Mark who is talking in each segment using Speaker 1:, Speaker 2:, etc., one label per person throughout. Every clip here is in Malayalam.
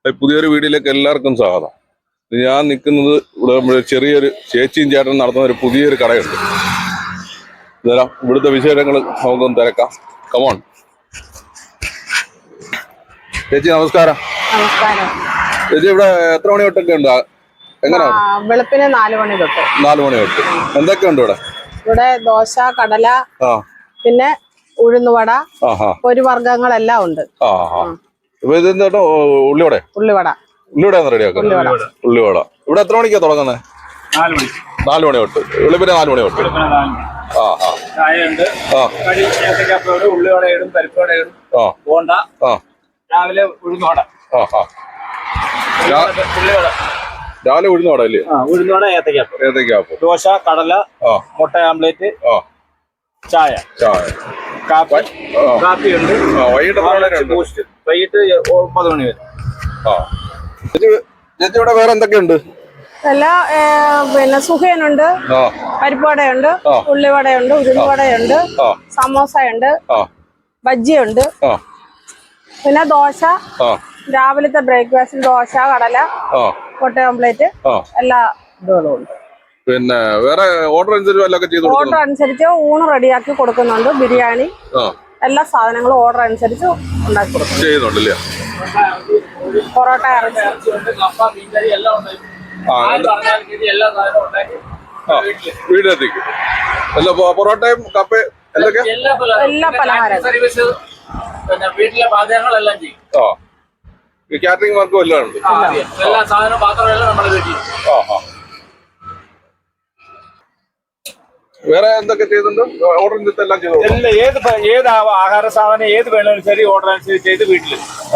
Speaker 1: പുതിയൊരു വീഡിയോയിലേക്ക് എല്ലാവർക്കും സ്വാഗതം. ഞാൻ നിൽക്കുന്നത് ഇവിടെ ചെറിയൊരു ചേച്ചിയും ചേട്ടൻ നടത്തുന്ന ഒരു പുതിയൊരു കടയുണ്ട്. ഇവിടുത്തെ വിശേഷങ്ങൾ നമുക്കൊന്ന് തിരക്കാം. കമോൺ ചേച്ചി, നമസ്കാരം.
Speaker 2: നമസ്കാരം
Speaker 1: ചേച്ചി, ഇവിടെ എത്ര മണി തൊട്ടൊക്കെ ഉണ്ട്? എങ്ങനെയാണ്?
Speaker 2: വെളുപ്പിന് 4 മണി തൊട്ട്.
Speaker 1: 4 മണി തൊട്ട് എന്തൊക്കെയുണ്ട് ഇവിടെ?
Speaker 2: ഇവിടെ ദോശ, കടല, പിന്നെ ഉഴുന്നുവട, ഒരു വർഗ്ഗങ്ങളെല്ലാം ഉണ്ട്.
Speaker 1: ഉള്ളിവട
Speaker 2: ഉള്ളിവട
Speaker 1: റെഡിയാക്കാം. ഉള്ളിവട ഇവിടെ എത്ര മണിക്കാ തുടങ്ങുന്നത്? 4 മണി തൊട്ട്. വെളുപ്പിന് 4 മണി തൊട്ട്.
Speaker 3: ഉള്ളിവടയിടും, പരിപ്പുവടയിടും, ബോണ്ട, രാവിലെ ഉഴുന്നുവട.
Speaker 1: രാവിലെ ഉഴുന്നുവട അല്ലേ?
Speaker 3: ഉഴുന്നുവട, ഏത്തക്കാപ്പം, ദോശ, കടല, മുട്ട ആംപ്ലേറ്റ്, ചായ, കാപ്പിയുണ്ട്. വൈകിട്ട് 9 മണി വരെ.
Speaker 1: ചേച്ചി, ഇവിടെ വേറെ എന്തൊക്കെയുണ്ട്?
Speaker 2: പിന്നെ സുഖേനുണ്ട്, പരിപ്പുവടയുണ്ട്, ഉള്ളിവടയുണ്ട്, ഉഴുന്നുവടയുണ്ട്, സമോസയുണ്ട്, ബജ്ജിയുണ്ട്, പിന്നെ ദോശ, രാവിലത്തെ ബ്രേക്ക്ഫാസ്റ്റിൽ ദോശ, കടല, മുട്ട ഓംപ്ലേറ്റ്, എല്ലാ ഇതുകളും ഉണ്ട്.
Speaker 1: പിന്നെ വേറെ ഓർഡർ
Speaker 2: അനുസരിച്ച് ഊണ് റെഡിയാക്കി കൊടുക്കുന്നുണ്ട്. ബിരിയാണി, എല്ലാ സാധനങ്ങളും ഓർഡർ അനുസരിച്ച് ഉണ്ടാക്കി കൊടുക്കുന്നുണ്ടല്ലേ? പൊറോട്ട,
Speaker 1: വീട്ടിലെത്തിക്കും. പൊറോട്ടയും കപ്പയും
Speaker 2: എല്ലാ പലഹാരം
Speaker 3: വീട്ടിലെ പാചകങ്ങളെല്ലാം ചെയ്യും.
Speaker 1: കാറ്ററിംഗ് വർക്കും എല്ലാം ഉണ്ട്.
Speaker 3: എല്ലാ സാധനവും പാത്രമെല്ലാം നമ്മുടെ വീട്ടിൽ.
Speaker 1: വേറെ എന്തൊക്കെ ചെയ്തിട്ടുണ്ട്? ഓർഡർ എല്ലാം ചെയ്തു.
Speaker 3: ഏത് ആഹാര സാധനം ഏത് വേണമെങ്കിലും ശരി, ഓർഡർ അനുസരിച്ച് ചെയ്ത് വീട്ടിൽ.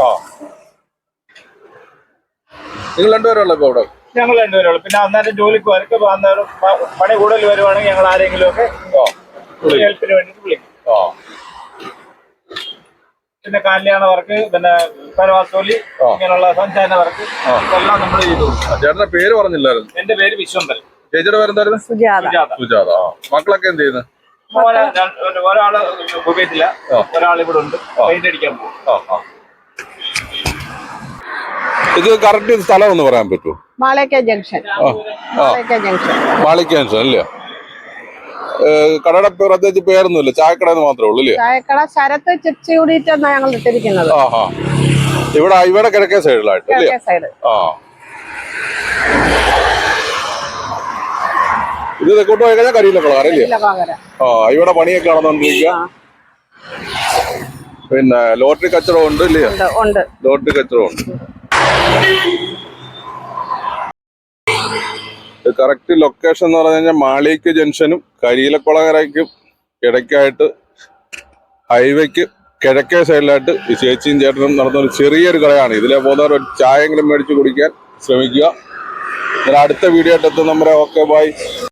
Speaker 1: നിങ്ങൾ രണ്ടുപേരുള്ള ഇപ്പൊ അവിടെ?
Speaker 3: ഞങ്ങൾ രണ്ടുപേരുള്ളൂ. പിന്നെ അന്നേരം ജോലിക്ക് വരക്ക് അന്നേരം പണി കൂടുതൽ വരുവാണെങ്കിൽ ഞങ്ങൾ ആരെങ്കിലും ഒക്കെ ഹെൽപ്പിന് വേണ്ടിട്ട് വിളിക്കും. പിന്നെ കല്യാണ വർക്ക്, പിന്നെ പരവാസോലി, ഇങ്ങനെയുള്ള സഞ്ചാര വർക്ക് എല്ലാം നമ്മൾ ചെയ്തു.
Speaker 1: ചേട്ടന്റെ പേര് പറഞ്ഞില്ലായിരുന്നു?
Speaker 3: എന്റെ പേര് വിശ്വംബരൻ.
Speaker 1: ചേച്ചിയുടെ പേരെന്തായിരുന്നു? സുജാത. മക്കളൊക്കെ എന്ത് ചെയ്യുന്നു?
Speaker 3: ഒരാള് കുവൈറ്റില്ല, ഒരാൾ ഇവിടെ ഉണ്ട്, പെയിന്റ് അടിക്കാൻ പോകും.
Speaker 1: ഇത് കറക്റ്റ് സ്ഥലം ഒന്ന് പറയാൻ പറ്റുമോ?
Speaker 2: മാളിക ജംഗ്ഷൻ.
Speaker 1: മാളിക ജംഗ്ഷൻ അല്ലേ? കടയുടെ പ്രത്യേകിച്ച് പേരൊന്നുമില്ല, ചായക്കട മാത്രമേ ഉള്ളൂ അല്ലേ?
Speaker 2: ചായക്കട ശരത്ത് ചിപ്സ് കൂടിയിട്ടാണ് ഞങ്ങൾ ഇട്ടിരിക്കുന്നത്.
Speaker 1: ഇവിടെ കിഴക്കേ സൈഡിലായിട്ട് അല്ലേ? ഇത് തെക്കോട്ട് പോയി കഴിഞ്ഞാൽ കരിയിലക്കുളം അറിയില്ലേ? ഇവിടെ പണിയൊക്കെ നടന്നുകൊണ്ടിരിക്കുക. പിന്നെ ലോട്ടറി കച്ചവടം ഉണ്ട് ഇല്ലേ? ലോട്ടറി കച്ചവടം ഉണ്ട്. കറക്റ്റ് ലൊക്കേഷൻ എന്ന് പറഞ്ഞു കഴിഞ്ഞാൽ മാളിക ജംഗ്ഷനും കരിയിലക്കുളങ്ങരയ്ക്കും ഇടയ്ക്കായിട്ട് ഹൈവേക്ക് കിഴക്കേ സൈഡിലായിട്ട് ഈ ചേച്ചിയും ചേട്ടനും നടന്നൊരു ചെറിയൊരു കടയാണ്. ഇതിലെ പോകുന്നവർ ഒരു ചായയെങ്കിലും മേടിച്ച് കുടിക്കാൻ ശ്രമിക്കുക. അടുത്ത വീഡിയോ ആയിട്ട് എത്തും നമ്മുടെ. Okay, by.